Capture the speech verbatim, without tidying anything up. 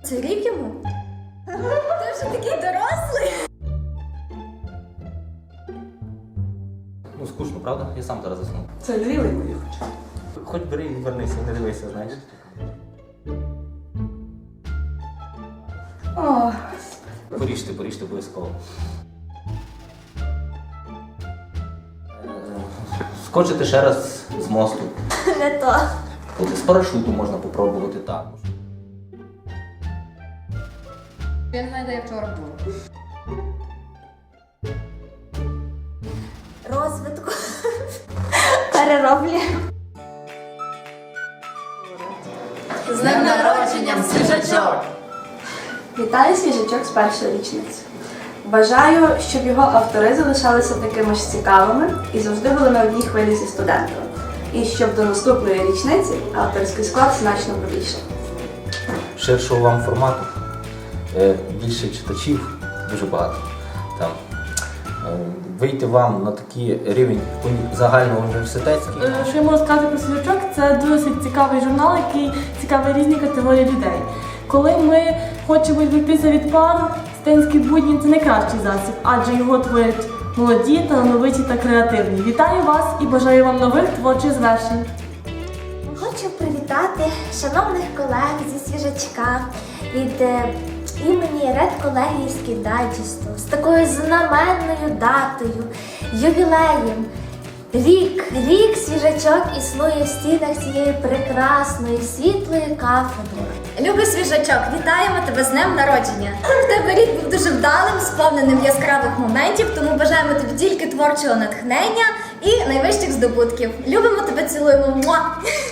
Це рік йому? Ти вже такий дорослий. Ну, скучно, правда? Я сам зараз засну. Це лівий мої хоча. Хоч бери і вернися, не дивися, знаєш. О, Поріжте, поріжте обов'язково. Е, Скочити ще раз з мосту. Не то. От з парашуту можна попробувати також. Він знайде, як вчора було. Розвитку. Перероблі. З днем народженням, свіжачок! вітаю свіжачок з першої річниці. Бажаю, щоб його автори залишалися такими ж цікавими і завжди були на одній хвилі зі студентами. І щоб до наступної річниці авторський склад значно побільшав. Ширшого вам формату, е, більше читачів, дуже багато. Там. Е, Вийти вам на такий рівень уні- загального університетський. Е, Що я можу сказати про свіжачок, це досить цікавий журнал, який цікавий різні категорії людей. Коли ми хочемо відвертися від пару, студентські будні – це найкращий засіб, адже його творять молоді, талановиті та креативні. Вітаю вас і бажаю вам нових творчих звершень. Хочу привітати шановних колег зі свіжачка від е, імені редколегійського дайджесту з такою знаменною датою, ювілеєм. Рік, рік свіжачок існує в стінах цієї прекрасної, світлої кафедри. Любий свіжачок, вітаємо тебе з днем народження. В тебе рік був дуже вдалим, сповненим яскравих моментів, тому бажаємо тобі тільки творчого натхнення і найвищих здобутків. Любимо тебе, цілуємо. Муа!